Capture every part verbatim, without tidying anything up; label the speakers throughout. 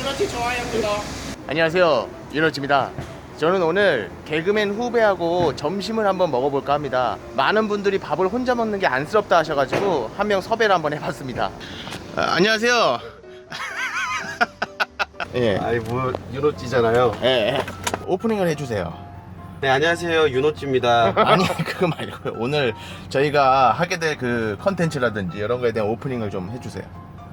Speaker 1: 유노치 좋아요 구독. 안녕하세요, 유노치입니다. 저는 오늘 개그맨 후배하고 점심을 한번 먹어볼까 합니다. 많은 분들이 밥을 혼자 먹는 게 안쓰럽다 하셔가지고 한 명 섭외를 한번 해봤습니다. 아, 안녕하세요. 예.
Speaker 2: 아이 뭐 유노찌잖아요.
Speaker 1: 예, 예. 오프닝을 해주세요.
Speaker 2: 네, 안녕하세요, 유노찌입니다.
Speaker 1: 아니 그거 말고요. 오늘 저희가 하게 될 그 컨텐츠라든지 이런 거에 대한 오프닝을 좀 해주세요.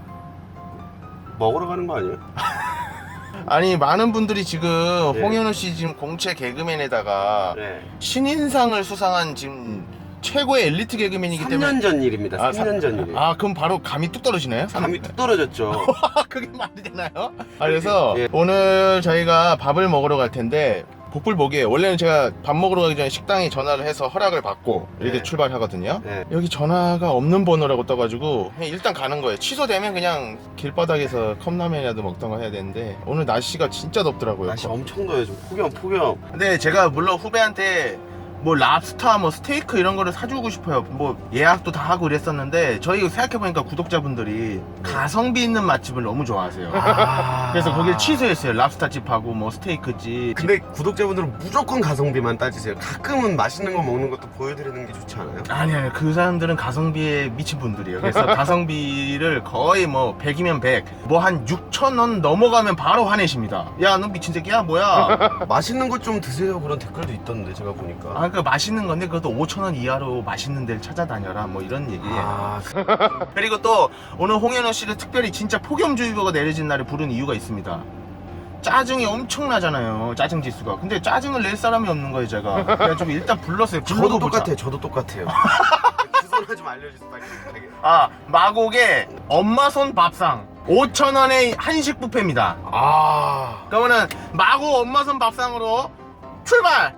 Speaker 2: 먹으러 가는 거 아니에요?
Speaker 1: 아니 많은 분들이 지금
Speaker 2: 네.
Speaker 1: 홍현우 씨 지금 공채 개그맨에다가
Speaker 2: 네.
Speaker 1: 신인상을 수상한 지금 최고의 엘리트 개그맨이기
Speaker 2: 삼
Speaker 1: 때문에
Speaker 2: 년 전 일입니다.
Speaker 1: 아,
Speaker 2: 삼 년 전 일이에요.
Speaker 1: 아 그럼 바로 감이 뚝 떨어지나요?
Speaker 2: 감이 뚝 떨어졌죠.
Speaker 1: 그게 말이 되나요? 아, 그래서
Speaker 2: 예.
Speaker 1: 오늘 저희가 밥을 먹으러 갈 텐데 복불복이에요. 원래는 제가 밥 먹으러 가기 전에 식당에 전화를 해서 허락을 받고 이렇게
Speaker 2: 네.
Speaker 1: 출발하거든요.
Speaker 2: 네.
Speaker 1: 여기 전화가 없는 번호라고 떠가지고 그냥 일단 가는 거예요. 취소되면 그냥 길바닥에서 컵라면이라도 먹던가 해야 되는데 오늘 날씨가 진짜 덥더라고요.
Speaker 2: 날씨 엄청 더워요. 좀 폭염, 폭염.
Speaker 1: 근데 제가 물론 후배한테 뭐 랍스타 뭐 스테이크 이런 거를 사주고 싶어요. 뭐 예약도 다 하고 이랬었는데 저희 생각해보니까 구독자분들이 가성비 있는 맛집을 너무 좋아하세요.
Speaker 2: 아...
Speaker 1: 그래서 거길 취소했어요. 랍스타 집하고 뭐 스테이크 집.
Speaker 2: 근데 구독자분들은 무조건 가성비만 따지세요. 가끔은 맛있는 거 먹는 것도 보여드리는 게 좋지 않아요?
Speaker 1: 아니 아니 그 사람들은 가성비에 미친 분들이에요. 그래서 가성비를 거의 뭐 백이면 백, 뭐 한 육천 원 넘어가면 바로 화내십니다. 야 너 미친 새끼야 뭐야?
Speaker 2: 맛있는 거 좀 드세요. 그런 댓글도 있던데 제가 보니까.
Speaker 1: 아 그 맛있는 건데 그것도 오천 원 이하로 맛있는 데를 찾아다녀라 뭐 이런 얘기예요.
Speaker 2: 아...
Speaker 1: 그리고 또 오늘 홍현우 씨를 특별히 진짜 폭염주의보가 내려진 날에 부른 이유가 있습니다. 짜증이 엄청나잖아요. 짜증 지수가. 근데 짜증을 낼 사람이 없는 거예요 제가. 그래가지고 일단 불렀어요.
Speaker 2: 저도
Speaker 1: 불러도 보자.
Speaker 2: 똑같아요. 저도 똑같아요. 주소나 좀 알려주세요. 빨리.
Speaker 1: 아 마곡의 엄마 손 밥상 오천 원의 한식 뷔페입니다.
Speaker 2: 아...
Speaker 1: 그러면은 마곡 엄마 손 밥상으로 출발!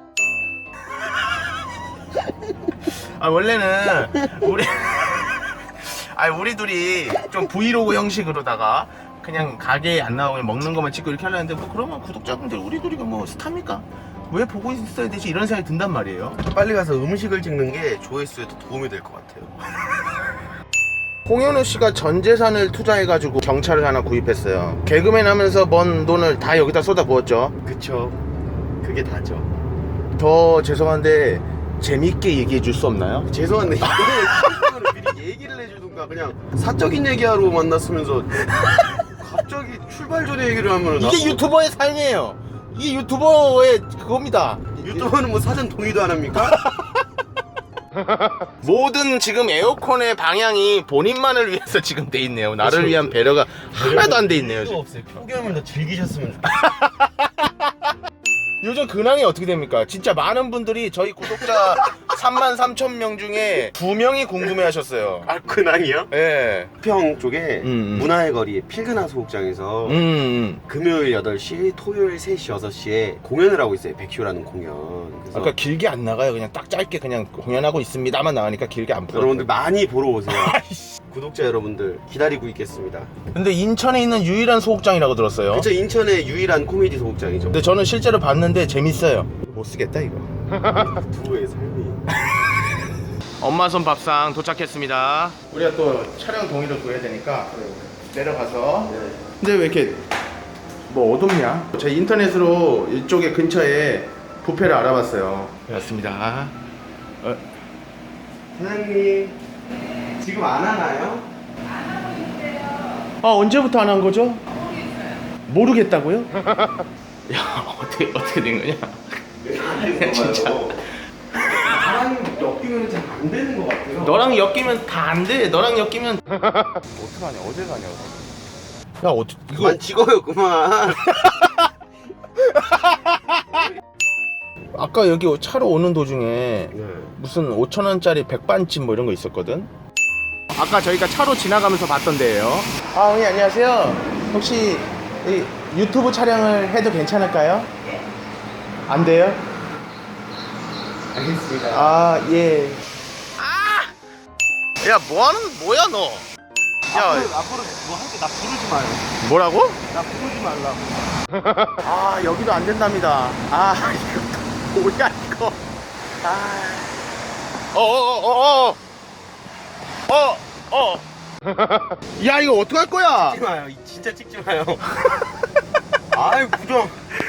Speaker 1: 아 원래는 우리 아 우리 둘이 좀 브이로그 형식으로다가 그냥 가게에 안 나오면 먹는 것만 찍고 이렇게 하려는데 뭐 그러면 구독자분들 우리 둘이가 뭐 스타입니까? 왜 보고 있어야 되지? 이런 생각이 든단 말이에요.
Speaker 2: 빨리 가서 음식을 찍는 게 조회수에 더 도움이 될 것 같아요.
Speaker 1: 홍현우 씨가 전 재산을 투자해가지고 경차를 하나 구입했어요. 개그맨 하면서 번 돈을 다 여기다 쏟아부었죠.
Speaker 2: 그쵸. 그게 다죠.
Speaker 1: 더 죄송한데 재밌게 얘기해 줄 수 없나요?
Speaker 2: 죄송한데 이거는 미리 얘기를 해주든가 그냥 사적인 얘기하러 만났으면서 갑자기 출발 전에 얘기를 하면
Speaker 1: 이게 유튜버의 삶이에요. 이게 유튜버의 그겁니다.
Speaker 2: 유튜버는 뭐 사전 동의도 안 합니까?
Speaker 1: 모든 지금 에어컨의 방향이 본인만을 위해서 지금 돼 있네요. 나를
Speaker 2: 그렇죠.
Speaker 1: 위한 배려가 하나도 안 돼 있네요.
Speaker 2: 이유도
Speaker 1: 지금.
Speaker 2: 없어요. 폭염을 더 즐기셨으면 좋겠어요.
Speaker 1: 요즘 근황이 어떻게 됩니까? 진짜 많은 분들이 저희 구독자 삼만 삼천 명 중에 두 명이 궁금해 하셨어요.
Speaker 2: 아, 근황이요?
Speaker 1: 예.
Speaker 2: 평 쪽에
Speaker 1: 음, 음.
Speaker 2: 문화의 거리 필그나 소극장에서
Speaker 1: 음, 음.
Speaker 2: 금요일 여덟 시, 토요일 세 시, 여섯 시에 공연을 하고 있어요. 백쇼라는 공연. 그래서
Speaker 1: 아까 길게 안 나가요. 그냥 딱 짧게 그냥 공연하고 있습니다만 나가니까 길게 안 풀어요.
Speaker 2: 여러분들 많이 보러 오세요. 구독자 여러분들 기다리고 있겠습니다.
Speaker 1: 근데 인천에 있는 유일한 소극장이라고 들었어요.
Speaker 2: 그쵸, 인천의 유일한 코미디 소극장이죠.
Speaker 1: 근데 저는 실제로 봤는데 재밌어요. 못 쓰겠다 이거.
Speaker 2: 부부의 삶이.
Speaker 1: 엄마 손 밥상 도착했습니다. 우리가 또 촬영 동의를 구해야 되니까 내려가서. 근데 왜 이렇게 뭐 어둡냐? 제가 인터넷으로 이쪽에 근처에 뷔페를 알아봤어요. 맞습니다. 어,
Speaker 2: 사장님 지금 안 하나요?
Speaker 1: 아 언제부터 안 한 거죠? 모르겠다고요? 야 어떻게 어떻게 된 거냐? 진짜.
Speaker 2: 나랑 엮이면 잘 안 되는 것 같아요.
Speaker 1: 너랑 엮이면 다 안 돼. 너랑 엮이면 어떡하냐? 어딜 가냐? 야 어떻게 이거
Speaker 2: 그만 찍어요 그만.
Speaker 1: 아까 여기 차로 오는 도중에
Speaker 2: 네.
Speaker 1: 무슨 오천 원짜리 백반집 뭐 이런 거 있었거든. 아까 저희가 차로 지나가면서 봤던 데예요. 아, 어머니 안녕하세요. 혹시 이 유튜브 촬영을 해도 괜찮을까요? 안 돼요?
Speaker 2: 알겠습니다.
Speaker 1: 아, 예. 아! 야, 뭐 하는 뭐야 너? 야,
Speaker 2: 앞으로, 앞으로 뭐 할 때 나 부르지 마요.
Speaker 1: 뭐라고?
Speaker 2: 나 부르지 말라고.
Speaker 1: 아, 여기도 안 된답니다. 아, 이거 뭐야 이거? 아. 어어어어어. 어, 어. 야, 이거 어떡할 거야?
Speaker 2: 찍지 마요. 진짜 찍지 마요. 아이 부정.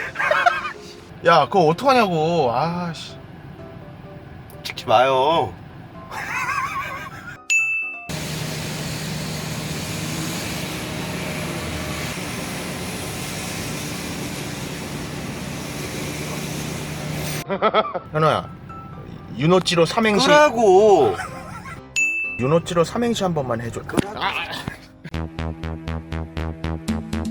Speaker 1: 야 그거 어떡하냐고. 아씨.
Speaker 2: 찍지 마요.
Speaker 1: 현호야 윤호찌로 삼행시
Speaker 2: 끄라고.
Speaker 1: 윤호찌로 삼행시 한 번만 해줘.
Speaker 2: 끄라고.
Speaker 1: 아,